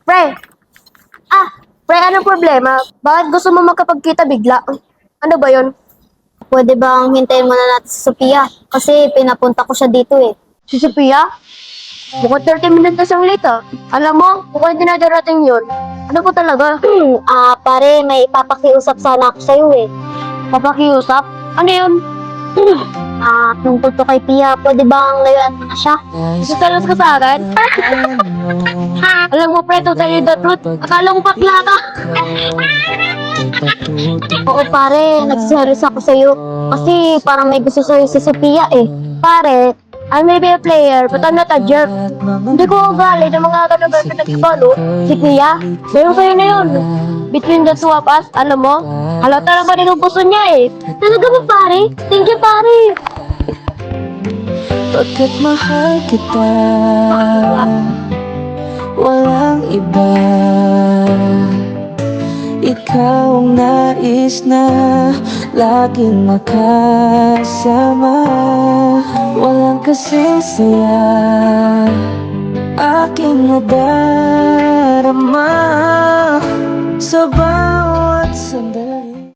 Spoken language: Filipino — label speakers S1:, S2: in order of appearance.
S1: Pre! Pre, anong problema? Bakit gusto mo magkapagkita bigla? Ano ba yon?
S2: Pwede bang hintayin muna natin si Sophia? Kasi pinapunta ko siya dito eh.
S1: Si Sophia? Bukod 30 minutes na siyang late ah. Alam mo, mukhang hindi na darating yun. Ano po talaga?
S2: Pare, may ipapakiusap sana ako sa'yo eh.
S1: Papakiusap? Ano yun?
S2: Tungkol to kay Pia, pwede bang layuan mo na siya?
S1: Isasalas ka sa akin? Alam mo, pre, to tell you the truth. Akala mo bakla ka.
S2: Oo pare, nagsiselos ako sa'yo. Kasi parang may gusto sa'yo si Sophia eh.
S1: Pare, I may be a player, but I'm not a jerk. Hindi ko ugali ng mga ganun na pinagkabalo. Si Pia, pero kayo na yun. Between the two of us, alam mo, halata naman yung gusto niya eh.
S2: Talaga ba pare? Thank you pare.
S3: Pagkat mahal kita, walang iba. Ikaw ang nais na laging makasama. Walang kasing saya aking nadarama sa bawat sandali.